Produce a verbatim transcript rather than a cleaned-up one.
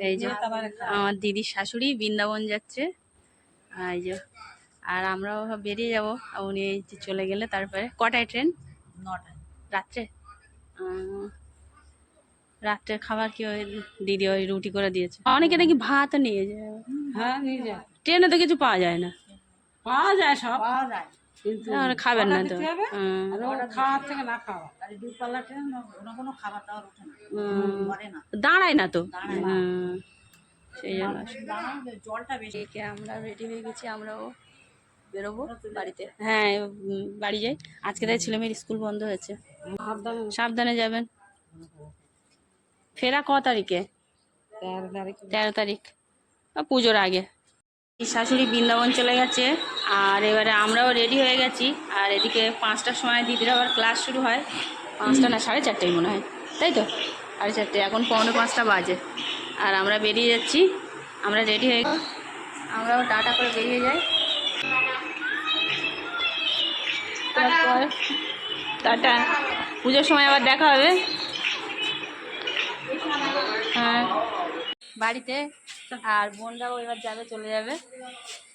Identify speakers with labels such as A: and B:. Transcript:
A: এই যে আমার দিদির শাশুড়ি বৃন্দাবন যাচ্ছে, এই যে আর আমরাও বেরিয়ে যাব। উনি এই যে চলে গেলে তারপরে কটায় ট্রেন?
B: নটায়
A: রাত্রে। রাত্রের খাবার কি ওই দিদি ওই রুটি করে দিয়েছে। অনেকে নাকি ভাত নিয়ে যায়।
B: হ্যাঁ নিয়ে যায়,
A: ট্রেনে তো কিছু পাওয়া যায় না।
B: পাওয়া যায়, সব পাওয়া যায়, কিন্তু
A: খাবেন না তো?
B: খাওয়ার থেকে না খাওয়া, আর দূরপাল্লা ট্রেন কোনো কোনো খাবার দাবার ওঠে না, করে না,
A: দাঁড়ায় না তো,
B: দাঁড়ায় না।
A: সেই জন্য
B: জলটা বেশি।
A: আমরা রেডি হয়ে গেছি, আমরাও বেরোবো বাড়িতে। হ্যাঁ উম, বাড়ি যাই আজকে, তাই ছেলে মেয়ের স্কুল বন্ধ হয়েছে। সাবধানে যাবেন। ফেরা ক তারিখে?
B: তেরো তারিখ।
A: তেরো তারিখ পুজোর আগে। শাশুড়ি বৃন্দাবন চলে গেছে, আর এবারে আমরাও রেডি হয়ে গেছি। আর এদিকে পাঁচটার সময় দিদির আবার ক্লাস শুরু হয়, পাঁচটা না সাড়ে চারটেই মনে হয়, তাই তো সাড়ে চারটে, এখন পৌনে পাঁচটা বাজে। আর আমরা বেরিয়ে যাচ্ছি, আমরা রেডি হয়ে আমরাও টাটা করে বেরিয়ে যাই। তারপর টাটা, পুজোর সময় আবার দেখা হবে। হ্যাঁ বাড়িতে, আর বোনরাও এবার যাবে, চলে যাবে।